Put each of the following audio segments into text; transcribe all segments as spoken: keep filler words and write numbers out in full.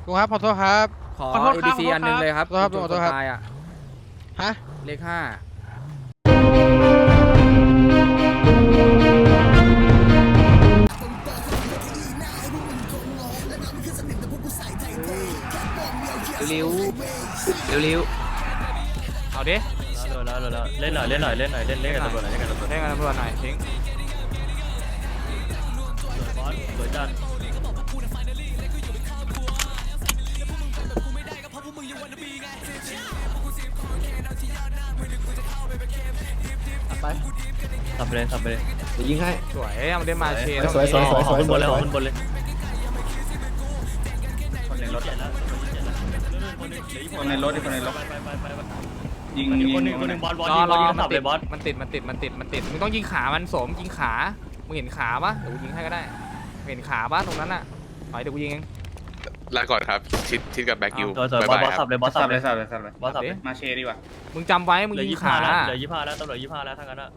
ลุงครับขอโทษครับขอขอโทษเอครับบี ซีขอโทษอันหนึงเลยครับครับจุดขอโทษครับตายอ่ะฮะเลขห้าเร็วเร็วเร็วเอาดิแล้วแล้วแล้วเล่นหน่อยเล่นหน่อยเล่นหน่อยเล่นเล่นกับตำรวจหน่อยเล่นกับตำรวจเล่นกันตำรวจหน่อยทิ้งบอสสวยจัดไปสับไปเลยสับไปเลยเดี๋ยวยิงให้สวยเอาเล่นมาเชนสวยสวยสวยขอขึ้นบนเลยขอขึ้นบนเลยคนในรถคนในรถที่คนในรถไปไปไปไปยิงคนหนึ่ยิงงคนหนึ่งคนหนึ่งบอสบอสรอยิงรบออสยิงมันสับเลติดยบอสมันติดมันติดมันติดมันติดมึงต้องยิงขามันสมยิงขามึงเห็นขาปะเดี๋ยวกูยิงให้ก็ได้เห็นขาปะตรงนั้นอ่ะถอยเดี๋ยวกูยิงเองลาก่อนครับชิดชิดกับแบ็กยูสวยสวยบอสบอสสับเลยบอสสัสับบ เลเลย ยสับเลยสับเลยบอสสับเลยมาเชดีกว่ามึงจำไว้มึงเหลือยิงยี่สิบห้าขาแล้วเหลือยี่สิบห้าแล้วตำรวจยี่สิบห้าแล้วทั้งนั้นอะ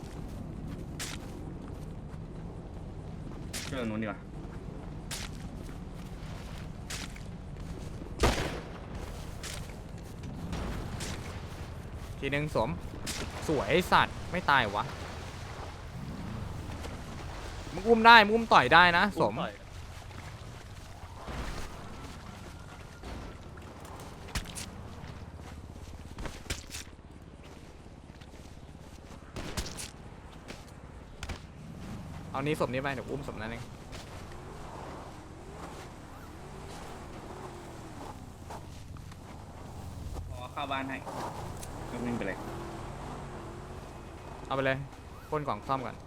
เรื่องนู้นดีกว่าทีนึงสมสวยสัตว์ไม่ตายวะมึงอุ้มได้มึงอุ้มต่อยได้นะสมเอานี้สมนี้ไปเดี๋ยวอุ้มสมนั้นเองขอเข้าบ้านให้ก็วิ่งไปเลยเอาไปเลยพ่นกล่องซ่อมก่อน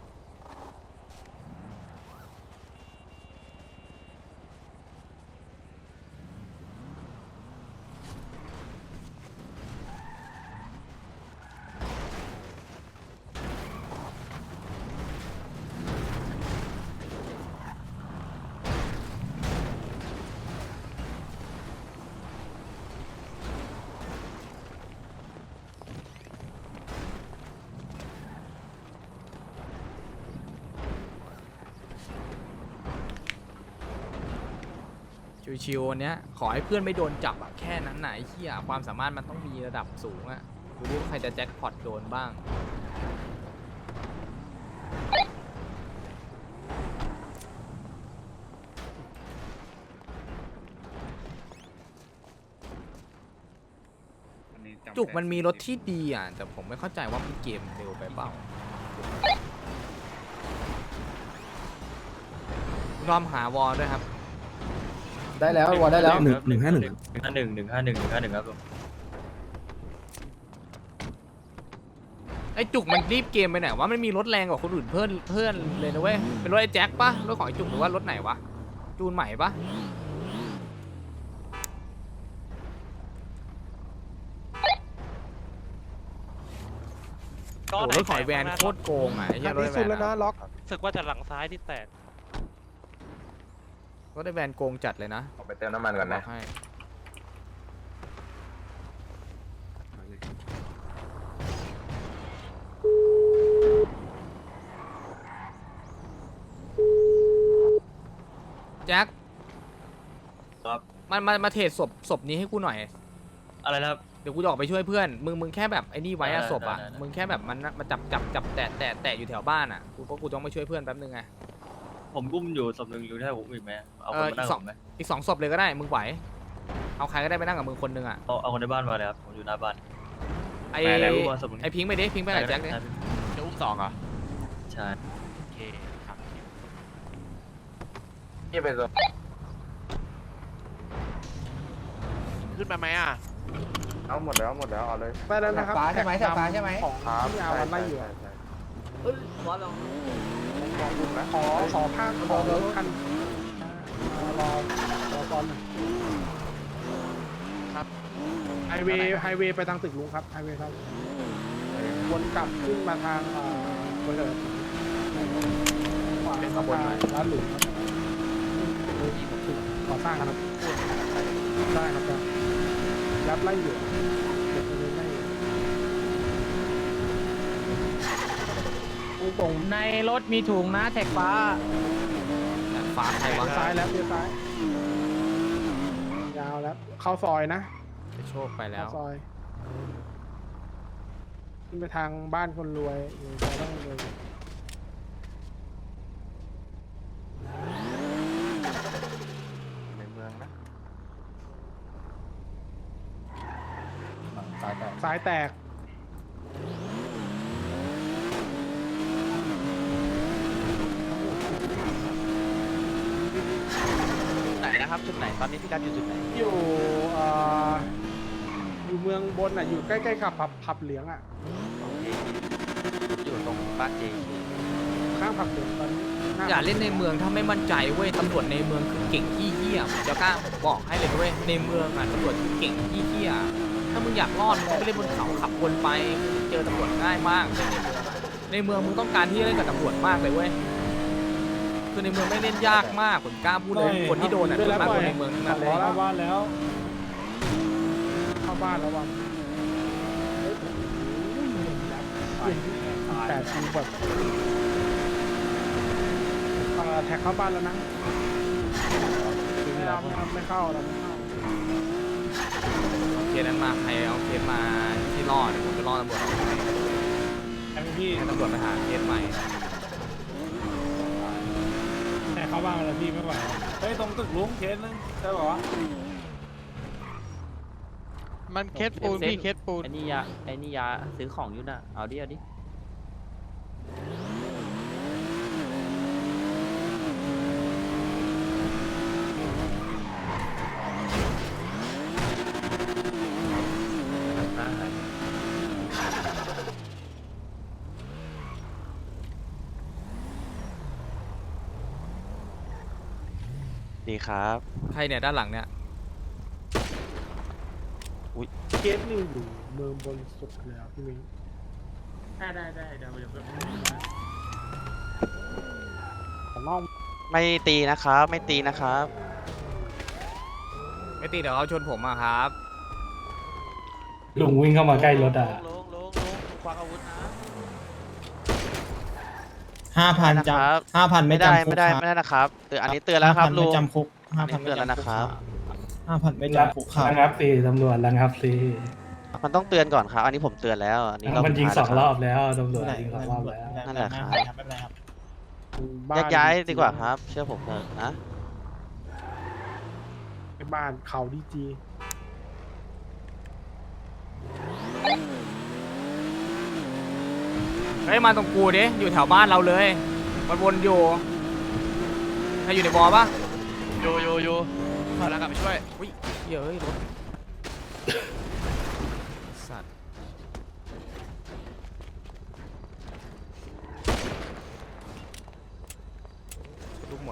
ชิวๆวันเนี้ยขอให้เพื่อนไม่โดนจับอะแค่นั้นไหนะไอ้เหี้ยความสามารถมันต้องมีระดับสูงอะดูว่าใครจะแจ็คพอตโดนบ้างอันนี้ำจุกมันมีรถที่ดีอ่ะแต่ผมไม่เข้าใจว่ามันเกมเร็วไปเปล่าลอมหาวอลด้วยครับได้แล้ววอลได้แล้วหนึ่งหนึ่งห้าหนึ่งหนึ่งห้าหนึ่งหนึ่งห้าหนึ่งหนึ่งห้าหนึ่งครับผมไอ้จุกมันรีบเกมไปไหนวะมันมีรถแรงกว่าคนอื่นเพื่อนเพื่อนเลยนะเว้ยเป็นรถไอ้แจ็คปะรถของไอ้จุกหรือว่ารถไหนวะจูนใหม่ปะโอ้รถของไอ้แวนโคตรโกงอ่ะไอ้เหี้ยรถไอ้แวนอะรู้สึกว่าจะหลังซ้ายที่แตกรถไอ้แวนโกงจัดเลยนะไปเติมน้ำมันก่อนนะบให้แจ็คครับมันมามาเทรดศพศพนี้ให้กูหน่อยอะไรนะครับเดี๋ยวกูจะออกไปช่วยเพื่อน มึงมึงแค่แบบไอ้นี่ไว้อะได้ศพอะได้ได้มึงแค่แบบมันมาจับจับจับแตะแตะแตะอยู่แถวบ้านอะกูก็กูต้องไปช่วยเพื่อนแป๊บนึงไงผมกุ้มอยู่ศพหนึ่งอยู่ที่ผมอีกไหมเอาเอคนอมานั่อีงกสผองมไหมอีกสองศพเลยก็ได้ มึงไหว เอาใครก็ได้ไปนั่งกับมึงคนนึงอะเอาเอาคนในบ้านมาเลยครับผมอยู่หน้าบ้านไอไปแล้วกุ้มมาศพหนึ่งไอพิงค์ไปดิพิงค์ไปไหนแจ็คดิจะอุ้มสองเหรอใช่โอเคครับนี่เป็นขึ้นมาไหมอ่ะเอาหมดแล้วหมดแล้วเอาเลยไปแล้วนะครับฟ้าใช่ไหมแถบฟ้าใช่ไหมของที่เอามันไล่อยู่อะขอขอภาคขอรถคันรอรอตอนหนึ่งครับไฮเวย์ไฮเวย์ไปทางตึกลุงครับไฮเวย์ครับวนกลับขึ้นมาทางเอ่อบริษัทขวาเป็นขบวนร้านหลุมครับตึกก่อสร้างครับได้ครับได้รับไล่อยู่เก็บไปเลยไล่อยู่ตรงในรถมีถุงนะแท็กฟ้าฟ้าใครวะซ้ายแล้วเลี้ยวซ้ายยาแล้วเข้าซอยนะไปโชคไปแล้เข้าว ซอยขึ้นไปทางบ้านคนรวยอยู่ซอยบ้านคนรวยในเมืองนะตายแต่สายแตกไหนนะครับจุดไหนตอนนี้พี่กัดอยู่จุดไหนอยู่เอ่ออยู่เมืองบนอ่ะอยู่ใกล้ๆกับผับผับเหลืองอ่ะอยู่ตรงบ้านเจข้างผับเหลืองตอนนี้หน้อย่าเล่นในเมืองถ้าไม่มั่นใจเว้ยตำรวจในเมืองคือเก่งขี้เหี้ยผมจะกล้าบอกให้เลยเว้ยในเมืองอ่ะตำรวจคือเก่งขี้เหี้ยถ้ามึงอยากรอดมึงก็ไปเล่นบนเขาขับวนไปเจอตำรวจง่ายมากในเมืองมึงต้องการที่จะเล่นกับตำรวจมากเลยเว้ยคือในเมืองไม่เล่นยากมากผมกล้าพูดเลยคนที่โดนอ่ะด้ส่ววย นมากปคล่นอยในเมืองทั้งนั้นเลยเข้าบ้านแล้วเข้าบ้านแล้ววันแต่ทีแบบเอ่อแท็กเข้าบ้านแล้วนะไม่เอาไม่เอาไม่เข้าเราไม่เข้าเอาเคสนั้นมาใครเอาเคสมาที่รอดเดี๋ยวผมจะรอตำรวจออกไปไอ้พี่ให้ตำรวจไปหาเคสใหม่แท็กเข้าบ้านแล้วพี่ไม่ไหวเฮ้ยตรงตึกลุงเคสนึงใช่ป่าวะมันเคสปูนพี่เคสปูนไอ้นี่ยาไอ้นี่ยาซื้อของอยู่น่ะเอาดิเอาดิดีครับใครเนี่ยด้านหลังเนี่ยเคสหนึ่งอยู่เมืองบนสุดแล้วพี่มิ้งได้ได้ได้เดี๋ยวเดี๋ยวผมน้องไม่ตีนะครับไม่ตีนะครับไม่ตีเดี๋ยวเขาชนผมอะครับลุงวิ่งเข้ามาใกล้รถอ่ะลงลงลงควักอาวุธนะห้าพันนะจครับำห้าพันไม่ไม่ได้จำคุไม่กได้ครับไม่ได้นะครับเตือนอันนี้เตือนแล้วครับ 5,000 ลุไม่งจำคุกห้าพันอันนี้เตือนแล้วนะครับห้าพันไม่จำคุกครับระงับสิตำรวจระงับสิมันต้องเตือนก่อนครับ อันนี้ผมเตือนแล้วอันนี้เรามันยิงสุดสท้าองแล้วรอบแล้วตำรวจไม่ยิงสองรอบแล้วนั่นแหละครับไม่เป็นไรครับแยกย้ายดีกว่าครับ เชื่อผมเถอะนะไปบ้านเขาดีจีเฮ้ยมาตรงกูดิอยู่แถวบ้านเราเลยมันวนอยู่ใครอยู่ในบอปะโยโยโยพลังกลับไปช่วยอุ้ยเหี้ยเฮ้ยรถสัตว์ลูกหมด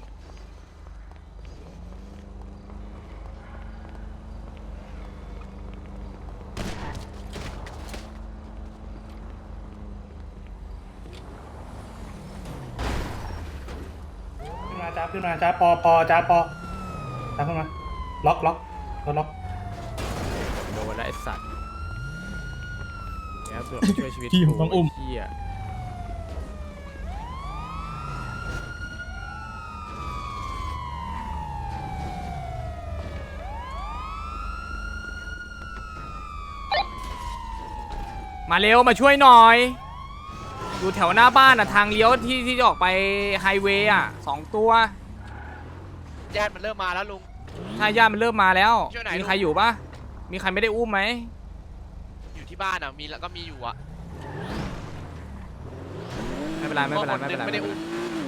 ขึ้นมาจ้าขึ้นมาจ้าปอปอจ้าปอจ้าขึ้นมาล็อกล็อกรถล็อกโดนแล้วไอ้สัตว์แล้วเสือกช่วยชีวิตพี่ผมต้องอุ้มไเหี้ยมาเร็วมาช่วยหน่อย อยู่แถวหน้าบ้านอ่ะทางเลี้ยวที่ที่จะออกไปไฮเวย์อ่ะสองตัวญาติมันเริ่มมาแล้วลุงถ้าญาติมันเริ่มมาแล้วช่วยหน่อยมีใครอยู่ปะมีใครไม่ได้อุ้มไหมอยู่ที่บ้านอ่ะมีแล้วก็มีอยู่อ่ะไม่เป็นไรไม่เป็นไรไม่เป็นไรไม่ได้อุ้ม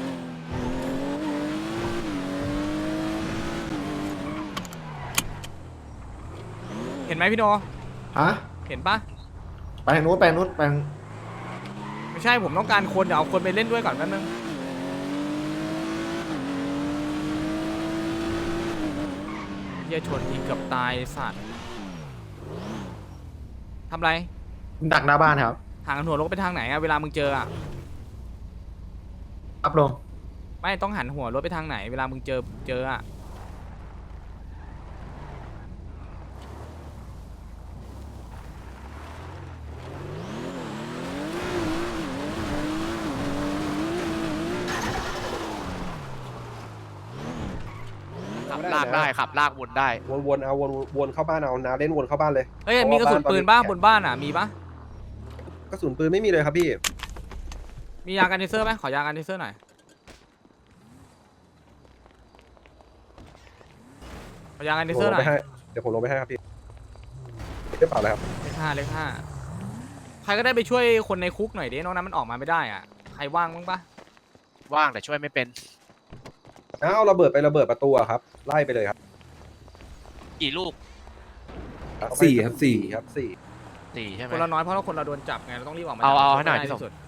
เห็นไหมพี่โนฮะเห็นปะไปทางนู้นไปทางนู้นไปทางไม่ใช่ผมต้องการคนเดี๋ยวเอาคนไปเล่นด้วยก่อนแป๊บนึงเหี้ยชนทีเกือบตายไอ้สัตว์ทำไรดักหน้าบ้านครับหางหัวรถไปทางไหนอะเวลามึงเจออะอัพลงไม่ต้องหันหัวรถไปทางไหน เวลามึงเจอเจออะขับลากได้ขับลากวนได้วนๆเอาวนวนเข้าบ้านเอานาเล่นวนเข้าบ้านเลยเอ้ยมีกระสุนปืนบ้างบนบ้านอ่ะมีปะกระสุนปืนไม่มีเลยครับพี่มียากันเทเซอร์ไหมขอยากันเทเซอร์หน่อยขอยากันเทผมเซอลร์งหน่ไปอยให้เดี๋ยวผมลงไปให้ครับพี่ได้เปล่าเลยครับเลขห้าเลขห้าใครก็ได้ไปช่วยคนในคุกหน่อยดิน้องนั้นมันออกมาไม่ได้อ่ะใครว่างบ้างปะว่างแต่ช่วยไม่เป็นเอาระเบิดไประเบิดประตูอะครับไล่ไปเลยครับกี่ลูกสี่ครับสี่ครับสี่สี่ใช่ไหมคนละน้อยเพราะเราคนเราโดนจับไงเราต้องรีบออกมาเอาเอาจับให้หน่อยได้พี่สมที่สุด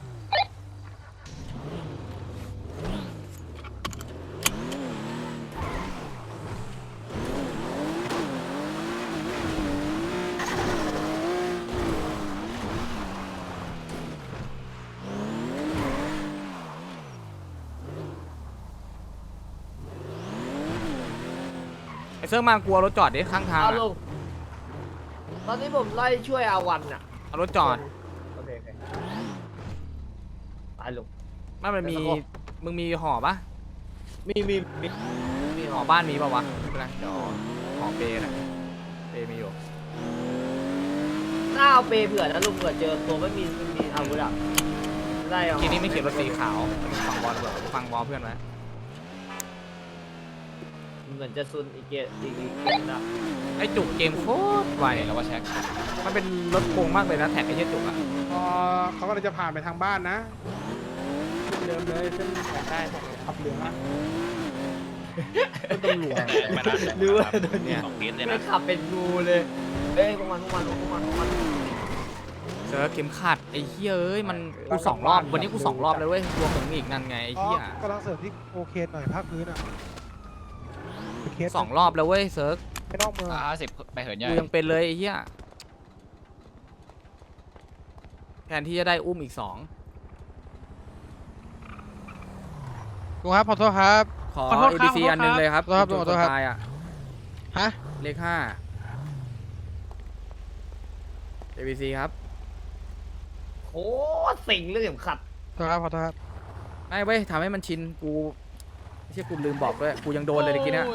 ไอ้เสื้อมากลัวรถจอดดิข้างทางเอาอะลุงตอนนี้ผมไล่ช่วยอาวันอ่ะเอารถจอดโอเคโอเคตายลุงไม่มันมีเดี๋ยวสักครู่มึงมีห่อปะมีมีมีมีห่อบ้านมีปะวะไม่เป็นไรเดี๋ยวห่อเปย์นะเปย์มีอยู่หน้าเอาเปย์เผื่อนะลุงเผื่อเจอตัวไม่มีไม่มีอาวุธอ่ะได้เอาทีนี้ไม่เขียนรถสีขาวฟังบอลเผื่อฟังบอลเพื่อนไว้เหมือนจะซุนอีกเกตอีกอีกเกมนะไอ้จุกเกมโคตรไวแล้วว่าแช็คมันเป็นรถโกงมากเลยนะแท็กไอ้เหี้ยจุกอะพอเขาก็เลยจะผ่านไปทางบ้านนะเดิมเลยเส้นแปดได้ขับเหลืองอะเป็นตำรวจรู้ว่าโดนเนี่ยสองเกมเลยไม่นะขับเป็นงูเลยเอ้ยพวกมันพวกมันพวกมันพวกมันเจอเข็มขัดไอ้เหี้ยเอ้ยมันกูสองรอบวันนี้กูสองรอบเลยเว้ยรวมถึงอีกนั่นไงไอ้อ๋อเหี้ยกำลังเสริมที่โอเคหน่อยภาคพื้นอ่ะเคสสองรอบแล้วเว้ยเซิร์ฟไม่นอกเมืองอ่าสิบไปเหินใหญ่กูยังเป็นเลยไอ้เหี้ยแทนที่จะได้อุ้มอีกสองลุงครับขอโทษครับขอขอโทษเอครับบีซีขอโทษอันหนึงเลยครับครับจุดขอโทษครับนตายอ่ะฮะเลขห้า เอ บี ซี ครับโคตรสิงเรื่องเข็มขัดขอโทษครับขอโทษครับไม่เว้ยทำให้มันชินกูไม่ใช่กูลืมบอกด้วยกูยังโดนเลยเมื่อกี้เนะ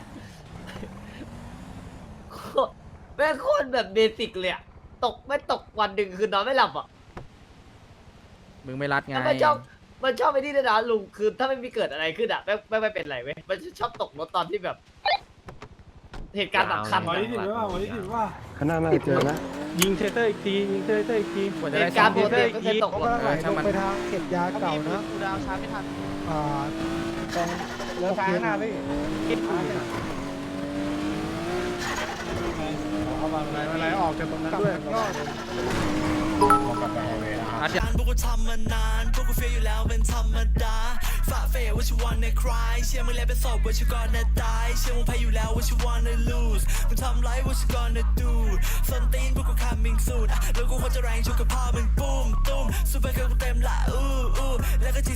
โคตรแม่งโคตรแบบเบสิกเลยอะตกไม่ตกวันหนึ่งคือนอนไม่หลับอ่ะมึงไม่รัดไงแล้วมันชอบมันชอบไอ้นี่ด้วยนะลุงคือถ้าไม่มีเกิดอะไรขึ้นอ่ะไม่ไม่ไม่เป็นไรเว้ยมันชอบตกรถตอนที่แบบ เหตุการณ์สำคัญวันอะนี้ถือว่าวันนี้ถือว่าข้างหน้าน่าจะเจอนะยิงเทเตอร์อีกทียิงเทเตอร์อีกทีกว่าจะเหได้ตุซ่กาอรมณ์ปกติไม่เคยตกรถเออช่างมันไปทางเก็บยาเก่านะกูดาวชาร์จไม่ทันอ่าตรงเรือฟ้าหน้าพี่คิดดูเอามาอะไรอะไรออกจากตรงนั้นด้วยก็รัดยาพวกกูทำมานานพวกกูเฟียอยู่แล้วเป็นธรรมดาฝ่าเฟยว่าชิวันในคลายเชื่อมึงแล้วเป็นศพว่าชิวก่อนนะตายเชื่อมึงแพ้อยู่แล้วว่าชิวันใน lose มึงทำไรว่าชิวันใน do ส้นตีนพวกกู coming soon แล้วกูควรจะแรงชุกกับพ่อมึงปุ้มตุ้มซูเปอร์เกิร์ลกูเต็มละอู้อู้แล้วก็